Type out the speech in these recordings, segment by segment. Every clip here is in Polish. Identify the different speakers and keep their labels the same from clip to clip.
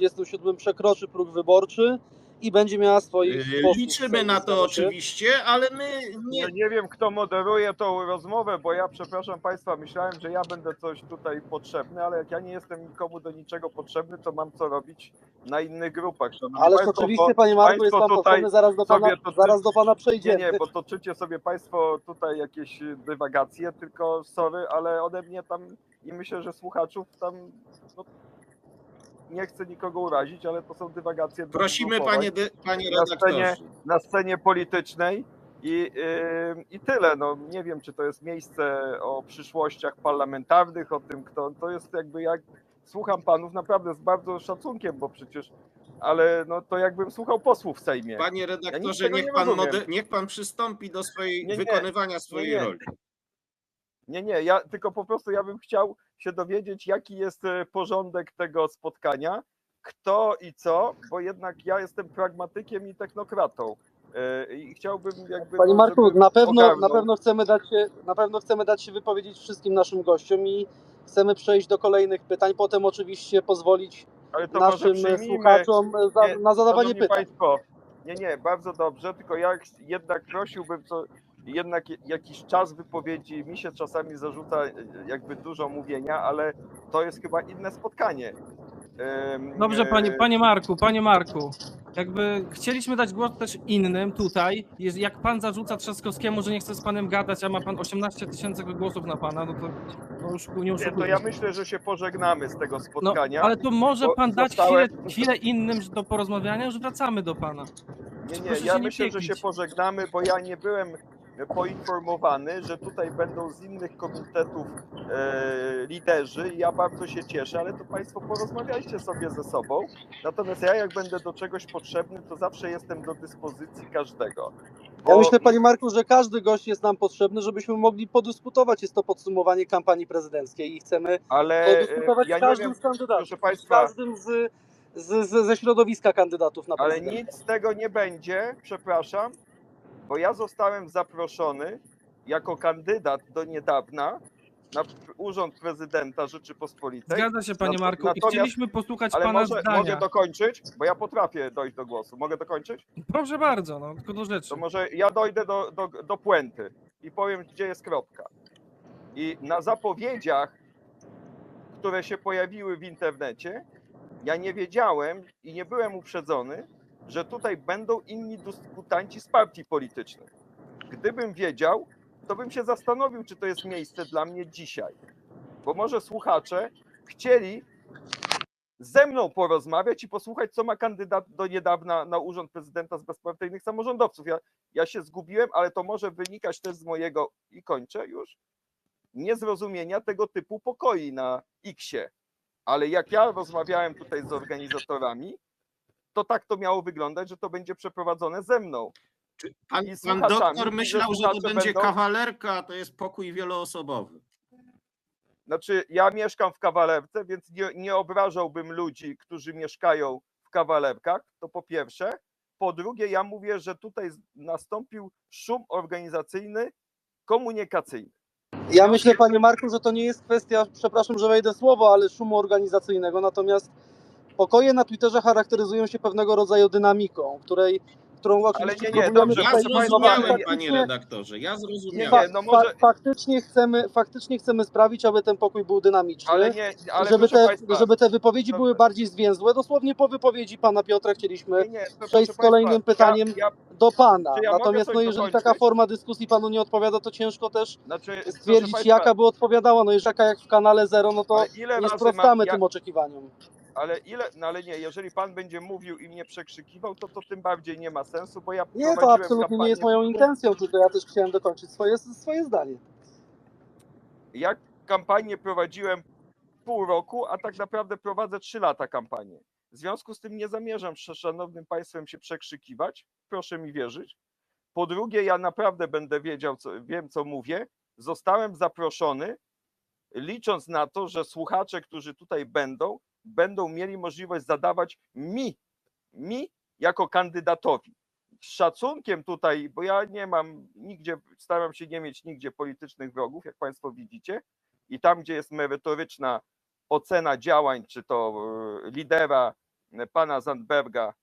Speaker 1: 27 przekroczy próg wyborczy i będzie miała swoich posłów.
Speaker 2: Liczymy na to oczywiście, ale my
Speaker 3: nie wiem, kto moderuje tą rozmowę, bo ja, przepraszam Państwa, myślałem, że ja będę coś tutaj potrzebny, ale jak ja nie jestem nikomu do niczego potrzebny, to mam co robić na innych grupach.
Speaker 1: Ależ oczywiście, panie Marku, jest pan potrzebny, zaraz do pana przejdziemy.
Speaker 3: Nie, bo toczycie sobie Państwo tutaj jakieś dywagacje, tylko sorry, ale ode mnie tam i myślę, że słuchaczów tam no, nie chcę nikogo urazić, ale to są dywagacje.
Speaker 2: Prosimy, panie redaktorze.
Speaker 3: Na scenie politycznej i tyle. No, nie wiem, czy to jest miejsce o przyszłościach parlamentarnych, o tym, kto to jest jakby jak słucham panów naprawdę z bardzo szacunkiem, bo przecież, ale no to jakbym słuchał posłów w Sejmie.
Speaker 2: Panie redaktorze, niech pan przystąpi do wykonywania swojej roli.
Speaker 3: Nie, ja tylko po prostu ja bym chciał się dowiedzieć, jaki jest porządek tego spotkania, kto i co, bo jednak ja jestem pragmatykiem i technokratą. I chciałbym jakby...
Speaker 1: Panie Marku, na pewno chcemy dać się wypowiedzieć wszystkim naszym gościom i chcemy przejść do kolejnych pytań, potem oczywiście pozwolić naszym słuchaczom na zadawanie pytań.
Speaker 3: Państwo, nie, bardzo dobrze, tylko ja jednak prosiłbym, jednak jakiś czas wypowiedzi, mi się czasami zarzuca jakby dużo mówienia, ale to jest chyba inne spotkanie.
Speaker 4: Dobrze, panie Marku, jakby chcieliśmy dać głos też innym tutaj. Jak pan zarzuca Trzaskowskiemu, że nie chce z panem gadać, a ma pan 18 000 głosów na pana, no to już nie oszukujmy.
Speaker 3: To ja myślę, że się pożegnamy z tego spotkania.
Speaker 4: No, ale to może pan dać chwilę innym do porozmawiania, już wracamy do pana.
Speaker 3: Nie, ja myślę, że się pożegnamy, bo ja nie byłem poinformowany, że tutaj będą z innych komitetów liderzy i ja bardzo się cieszę, ale to Państwo porozmawiajcie sobie ze sobą. Natomiast ja jak będę do czegoś potrzebny, to zawsze jestem do dyspozycji każdego.
Speaker 1: Ja myślę, panie Marku, że każdy gość jest nam potrzebny, żebyśmy mogli podyskutować. Jest to podsumowanie kampanii prezydenckiej i chcemy podyskutować z każdym z kandydatów, z każdym ze środowiska kandydatów na prezydenta.
Speaker 3: Ale nic z tego nie będzie, przepraszam, bo ja zostałem zaproszony jako kandydat do niedawna na urząd prezydenta Rzeczypospolitej.
Speaker 4: Zgadza się, panie Marku, i chcieliśmy posłuchać pana zdania.
Speaker 3: Mogę dokończyć, bo ja potrafię dojść do głosu. Mogę dokończyć?
Speaker 4: Proszę bardzo, no tylko do rzeczy.
Speaker 3: To może ja dojdę do puenty i powiem, gdzie jest kropka. I na zapowiedziach, które się pojawiły w internecie, ja nie wiedziałem i nie byłem uprzedzony, że tutaj będą inni dyskutanci z partii politycznych. Gdybym wiedział, to bym się zastanowił, czy to jest miejsce dla mnie dzisiaj. Bo może słuchacze chcieli ze mną porozmawiać i posłuchać, co ma kandydat do niedawna na urząd prezydenta z bezpartyjnych samorządowców. Ja się zgubiłem, ale to może wynikać też z mojego, i kończę już, niezrozumienia tego typu pokoi na X-ie. Ale jak ja rozmawiałem tutaj z organizatorami, to tak to miało wyglądać, że to będzie przeprowadzone ze mną.
Speaker 2: Pan doktor myślał, że to będzie kawalerka, a to jest pokój wieloosobowy.
Speaker 3: Znaczy, ja mieszkam w kawalerce, więc nie obrażałbym ludzi, którzy mieszkają w kawalerkach, to po pierwsze. Po drugie, ja mówię, że tutaj nastąpił szum organizacyjny, komunikacyjny.
Speaker 1: Ja myślę, panie Marku, że to nie jest kwestia, przepraszam, że wejdę w słowo, ale szumu organizacyjnego, natomiast pokoje na Twitterze charakteryzują się pewnego rodzaju dynamiką, którą oczywiście próbujemy
Speaker 2: ja zrozumiałem, panie redaktorze, ja zrozumiałem.
Speaker 1: Faktycznie chcemy sprawić, aby ten pokój był dynamiczny, żeby te wypowiedzi były bardziej zwięzłe. Dosłownie po wypowiedzi pana Piotra chcieliśmy przejść z kolejnym pytaniem do pana. Natomiast jeżeli taka forma dyskusji panu nie odpowiada, to ciężko też stwierdzić, jaka by odpowiadała. No jeżeli jak w kanale Zero, no to nie sprostamy tym oczekiwaniom.
Speaker 3: Ale nie, jeżeli pan będzie mówił i mnie przekrzykiwał, to tym bardziej nie ma sensu, bo ja
Speaker 1: nie, to absolutnie nie jest moją intencją, tylko ja też chciałem dokończyć swoje zdanie.
Speaker 3: Ja kampanię prowadziłem pół roku, a tak naprawdę prowadzę 3 lata kampanię. W związku z tym nie zamierzam z szanownym państwem się przekrzykiwać, proszę mi wierzyć. Po drugie, ja naprawdę będę wiem co mówię. Zostałem zaproszony, licząc na to, że słuchacze, którzy tutaj będą mieli możliwość zadawać mi jako kandydatowi. Z szacunkiem tutaj, bo ja nie mam nigdzie, staram się nie mieć nigdzie politycznych wrogów, jak państwo widzicie, i tam, gdzie jest merytoryczna ocena działań, czy to lidera pana Zandberga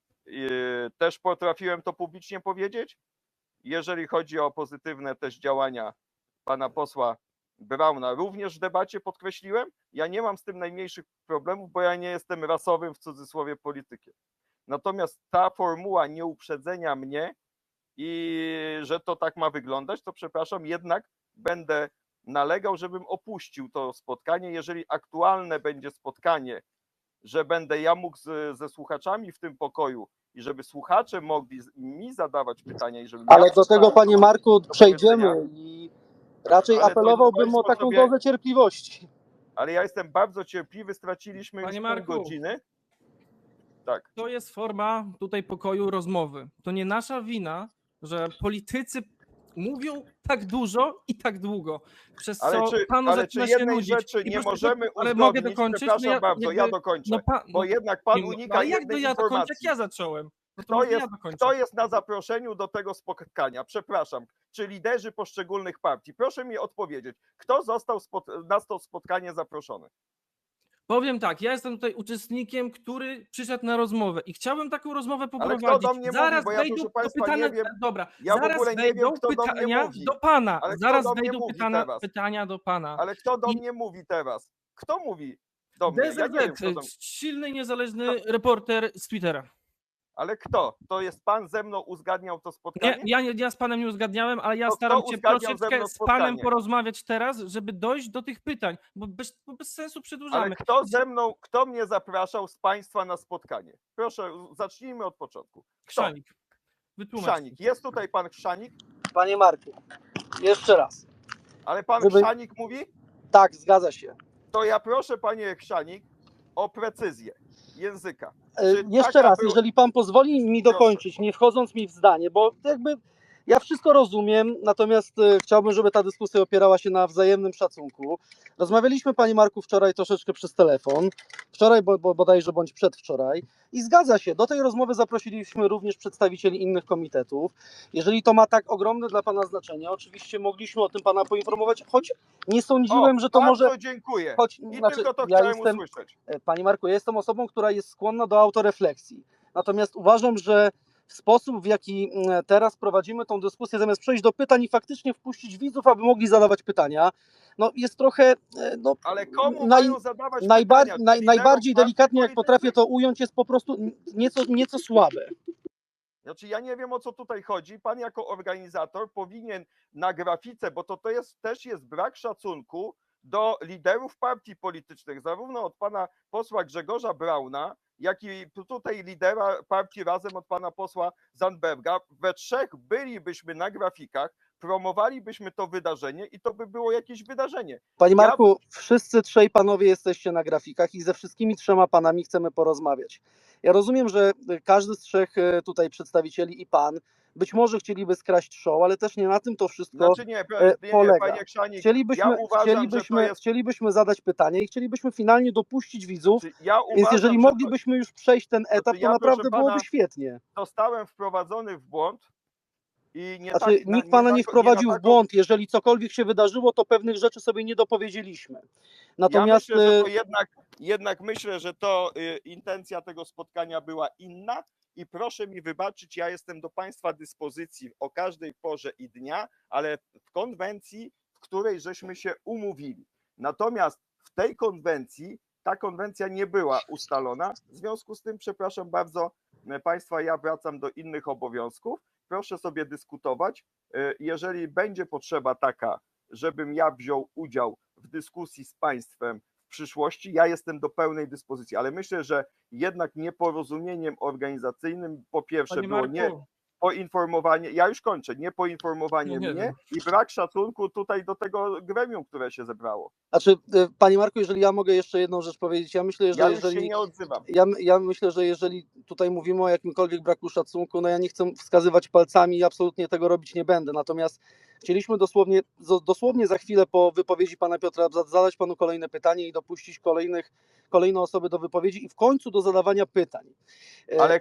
Speaker 3: też potrafiłem to publicznie powiedzieć. Jeżeli chodzi o pozytywne też działania pana posła Brauna, również w debacie podkreśliłem, ja nie mam z tym najmniejszych problemów, bo ja nie jestem rasowym w cudzysłowie politykiem. Natomiast ta formuła nieuprzedzenia mnie i że to tak ma wyglądać, to przepraszam, jednak będę nalegał, żebym opuścił to spotkanie. Jeżeli aktualne będzie spotkanie, że będę ja mógł ze słuchaczami w tym pokoju i żeby słuchacze mogli mi zadawać pytania i żeby...
Speaker 1: Ale do tego, panie Marku, przejdziemy i raczej apelowałbym o taką dozę cierpliwości.
Speaker 3: Ale ja jestem bardzo cierpliwy, straciliśmy
Speaker 4: Panie
Speaker 3: już
Speaker 4: Marku,
Speaker 3: pół godziny. Tak.
Speaker 4: To jest forma tutaj pokoju rozmowy. To nie nasza wina, że politycy mówią tak dużo i tak długo. Przez
Speaker 3: Ale
Speaker 4: co
Speaker 3: czy,
Speaker 4: panu
Speaker 3: ale czy
Speaker 4: zaczyna się
Speaker 3: jednej
Speaker 4: nudzić.
Speaker 3: rzeczy
Speaker 4: I
Speaker 3: nie
Speaker 4: proszę,
Speaker 3: możemy
Speaker 4: ale
Speaker 3: uzgodnić?
Speaker 4: mogę dokończyć?
Speaker 3: Przepraszam bardzo, ja dokończę. Bo jednak pan unika
Speaker 4: ale jak
Speaker 3: jednej
Speaker 4: ja dokończę, jak
Speaker 3: informacji.
Speaker 4: ja zacząłem? No to
Speaker 3: Kto jest na zaproszeniu do tego spotkania? Przepraszam. Czy liderzy poszczególnych partii? Proszę mi odpowiedzieć. Kto został na to spotkanie zaproszony?
Speaker 4: Powiem tak, ja jestem tutaj uczestnikiem, który przyszedł na rozmowę i chciałbym taką rozmowę poprowadzić.
Speaker 3: Ale kto do mnie
Speaker 4: zaraz
Speaker 3: mówi, bo ja,
Speaker 4: wejdą
Speaker 3: proszę
Speaker 4: do
Speaker 3: państwa,
Speaker 4: pytania,
Speaker 3: nie wiem.
Speaker 4: dobra,
Speaker 3: Ja w
Speaker 4: zaraz
Speaker 3: ogóle nie
Speaker 4: wejdą
Speaker 3: wiem, kto do mnie
Speaker 4: pytania
Speaker 3: mówi.
Speaker 4: do pana.
Speaker 3: Ale kto
Speaker 4: Zaraz
Speaker 3: do mnie
Speaker 4: wejdą
Speaker 3: mówi
Speaker 4: pytania do pana.
Speaker 3: Ale kto do
Speaker 4: I-
Speaker 3: mnie mówi teraz? Kto mówi do mnie? Ja nie wiem, kto do mnie.
Speaker 4: silny, niezależny reporter z Twittera.
Speaker 3: Ale kto? To jest pan ze mną uzgadniał to
Speaker 4: Nie,
Speaker 3: spotkanie?
Speaker 4: ja z panem nie uzgadniałem, ale ja
Speaker 3: To
Speaker 4: staram
Speaker 3: kto
Speaker 4: się
Speaker 3: uzgadniał ze
Speaker 4: troszeczkę
Speaker 3: mną
Speaker 4: z panem
Speaker 3: spotkanie?
Speaker 4: porozmawiać teraz, żeby dojść do tych pytań, bo bez sensu przedłużamy.
Speaker 3: Ale kto mnie zapraszał z państwa na spotkanie? Proszę, zacznijmy od początku. Kto?
Speaker 4: Chrzanik, wytłumacz.
Speaker 3: Chrzanik. Jest tutaj pan Chrzanik?
Speaker 1: Panie Marku, jeszcze raz.
Speaker 3: Ale pan
Speaker 1: Żeby-
Speaker 3: Chrzanik mówi?
Speaker 1: Tak, zgadza się.
Speaker 3: To ja proszę, panie Chrzanik, o precyzję języka. Czy
Speaker 1: Jeszcze
Speaker 3: taka
Speaker 1: raz,
Speaker 3: była-
Speaker 1: jeżeli pan pozwoli mi dokończyć, nie wchodząc mi w zdanie, bo jakby ja wszystko rozumiem, natomiast chciałbym, żeby ta dyskusja opierała się na wzajemnym szacunku. Rozmawialiśmy, panie Marku, wczoraj troszeczkę przez telefon, wczoraj bodajże bądź przedwczoraj i zgadza się, do tej rozmowy zaprosiliśmy również przedstawicieli innych komitetów. Jeżeli to ma tak ogromne dla pana znaczenie, oczywiście mogliśmy o tym pana poinformować, choć nie sądziłem, że to
Speaker 3: bardzo
Speaker 1: może...
Speaker 3: dziękuję.
Speaker 1: Choć,
Speaker 3: I
Speaker 1: znaczy,
Speaker 3: tylko to
Speaker 1: ja
Speaker 3: chciałem
Speaker 1: jestem,
Speaker 3: usłyszeć.
Speaker 1: Panie Marku, ja jestem osobą, która jest skłonna do autorefleksji. Natomiast uważam, że sposób, w jaki teraz prowadzimy tą dyskusję, zamiast przejść do pytań i faktycznie wpuścić widzów, aby mogli zadawać pytania, no jest trochę... No,
Speaker 3: Ale komu mają zadawać pytania?
Speaker 1: najbardziej
Speaker 3: Liderom
Speaker 1: delikatnie, jak
Speaker 3: partii
Speaker 1: potrafię to ująć, jest po prostu nieco słabe.
Speaker 3: Znaczy ja nie wiem, o co tutaj chodzi. Pan jako organizator powinien na grafice, bo to też jest brak szacunku do liderów partii politycznych, zarówno od pana posła Grzegorza Brauna, jak i tutaj lidera partii Razem od pana posła Zandberga. We trzech bylibyśmy na grafikach, promowalibyśmy to wydarzenie i to by było jakieś wydarzenie.
Speaker 1: Panie Marku, wszyscy trzej panowie jesteście na grafikach i ze wszystkimi trzema panami chcemy porozmawiać. Ja rozumiem, że każdy z trzech tutaj przedstawicieli i pan być może chcieliby skraść show, ale też nie na tym to wszystko polega.
Speaker 3: Panie Chrzanik,
Speaker 1: chcielibyśmy zadać pytanie i chcielibyśmy finalnie dopuścić widzów,
Speaker 3: uważam,
Speaker 1: więc jeżeli moglibyśmy już przejść ten etap, to naprawdę byłoby świetnie.
Speaker 3: Zostałem wprowadzony w błąd i
Speaker 1: nikt pana nie wprowadził w błąd. Jeżeli cokolwiek się wydarzyło, to pewnych rzeczy sobie nie dopowiedzieliśmy. Natomiast
Speaker 3: ja myślę, że to jednak myślę, że to intencja tego spotkania była inna i proszę mi wybaczyć, ja jestem do państwa dyspozycji o każdej porze i dnia, ale w konwencji, w której żeśmy się umówili. Natomiast w tej konwencji ta konwencja nie była ustalona. W związku z tym, przepraszam bardzo państwa, ja wracam do innych obowiązków. Proszę sobie dyskutować. Jeżeli będzie potrzeba taka, żebym ja wziął udział w dyskusji z państwem w przyszłości, ja jestem do pełnej dyspozycji, ale myślę, że jednak nieporozumieniem organizacyjnym po pierwsze było nie poinformowanie, ja już kończę, nie poinformowanie mnie i brak szacunku tutaj do tego gremium, które się zebrało.
Speaker 1: Znaczy, panie Marku, jeżeli ja mogę jeszcze jedną rzecz powiedzieć, ja myślę, że
Speaker 3: ja już się nie odzywam.
Speaker 1: Ja myślę, że jeżeli tutaj mówimy o jakimkolwiek braku szacunku, no ja nie chcę wskazywać palcami i absolutnie tego robić nie będę, natomiast chcieliśmy dosłownie za chwilę po wypowiedzi pana Piotra zadać panu kolejne pytanie i dopuścić kolejne osoby do wypowiedzi i w końcu do zadawania pytań.
Speaker 3: Ale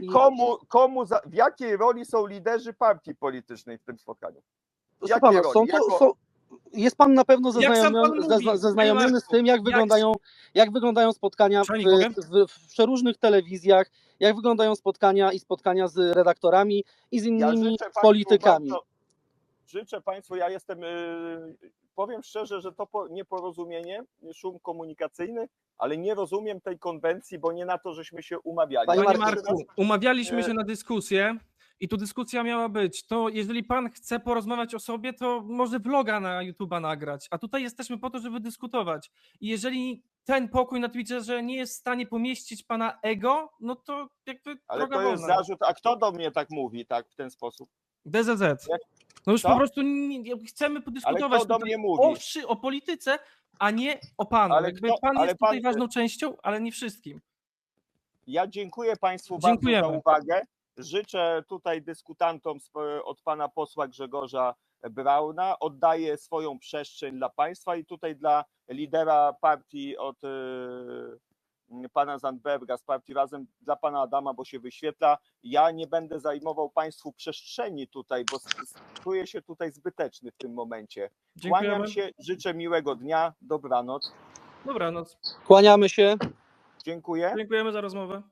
Speaker 3: w jakiej roli są liderzy partii politycznej w tym spotkaniu?
Speaker 1: Jest pan na pewno
Speaker 4: Jak sam pan mówi,
Speaker 1: zaznajomiony
Speaker 4: panie
Speaker 1: z tym, jak wyglądają spotkania
Speaker 4: Szanowni, mogę?
Speaker 1: w przeróżnych telewizjach, jak wyglądają spotkania z redaktorami i z innymi
Speaker 3: życzę państwu
Speaker 1: politykami.
Speaker 3: Życzę państwu, ja jestem, powiem szczerze, że to nieporozumienie, szum komunikacyjny, ale nie rozumiem tej konwencji, bo nie na to, żeśmy się umawiali.
Speaker 4: Panie Marku, umawialiśmy się na dyskusję i tu dyskusja miała być. To jeżeli pan chce porozmawiać o sobie, to może vloga na YouTube'a nagrać, a tutaj jesteśmy po to, żeby dyskutować. I jeżeli ten pokój na Twitterze nie jest w stanie pomieścić pana ego, no to jakby
Speaker 3: Ale
Speaker 4: droga
Speaker 3: to jest
Speaker 4: wolna.
Speaker 3: zarzut, a kto do mnie tak mówi, tak, w ten sposób?
Speaker 4: DZZ. No już
Speaker 3: Co?
Speaker 4: po prostu chcemy
Speaker 3: Ale
Speaker 4: podyskutować
Speaker 3: kto do
Speaker 4: tutaj
Speaker 3: mnie mówi?
Speaker 4: o polityce, a nie o panu.
Speaker 3: Ale
Speaker 4: Jakby
Speaker 3: kto-
Speaker 4: pan
Speaker 3: ale
Speaker 4: jest tutaj
Speaker 3: pan-
Speaker 4: ważną częścią, ale nie wszystkim.
Speaker 3: Ja dziękuję państwu
Speaker 4: Dziękujemy.
Speaker 3: bardzo za uwagę. Życzę tutaj dyskutantom od pana posła Grzegorza Brauna. Oddaję swoją przestrzeń dla państwa i tutaj dla lidera partii od pana Zandberga z partii Razem, dla pana Adama, bo się wyświetla. Ja nie będę zajmował państwu przestrzeni tutaj, bo czuję się tutaj zbyteczny w tym momencie.
Speaker 4: Dziękujemy.
Speaker 3: Kłaniam się, życzę miłego dnia, dobranoc.
Speaker 4: Dobranoc.
Speaker 1: Kłaniamy się.
Speaker 3: Dziękuję.
Speaker 4: Dziękujemy za rozmowę.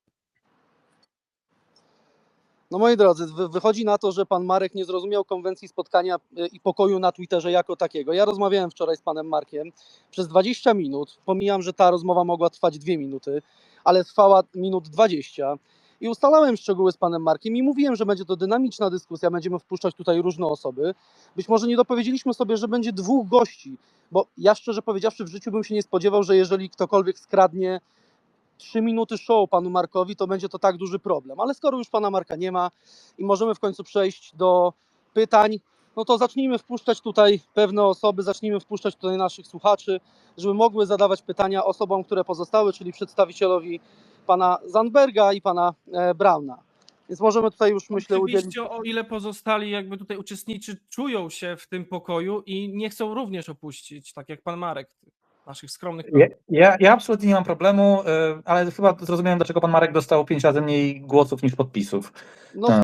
Speaker 1: No moi drodzy, wychodzi na to, że pan Marek nie zrozumiał konwencji spotkania i pokoju na Twitterze jako takiego. Ja rozmawiałem wczoraj z panem Markiem przez 20 minut. Pomijam, że ta rozmowa mogła trwać 2 minuty, ale trwała minut 20. I ustalałem szczegóły z panem Markiem i mówiłem, że będzie to dynamiczna dyskusja, będziemy wpuszczać tutaj różne osoby. Być może nie dopowiedzieliśmy sobie, że będzie 2 gości, bo ja szczerze powiedziawszy w życiu bym się nie spodziewał, że jeżeli ktokolwiek skradnie 3 minuty show panu Markowi, to będzie to tak duży problem. Ale skoro już pana Marka nie ma i możemy w końcu przejść do pytań, no to zacznijmy wpuszczać tutaj pewne osoby, zacznijmy wpuszczać tutaj naszych słuchaczy, żeby mogły zadawać pytania osobom, które pozostały, czyli przedstawicielowi pana Zandberga i pana Brauna. Więc możemy tutaj już, myślę, udzielić...
Speaker 4: Oczywiście, o ile pozostali jakby tutaj uczestnicy czują się w tym pokoju i nie chcą również opuścić, tak jak pan Marek, naszych skromnych...
Speaker 5: Ja absolutnie nie mam problemu, ale chyba zrozumiałem, dlaczego pan Marek dostał 5 razy mniej głosów niż podpisów.
Speaker 1: No,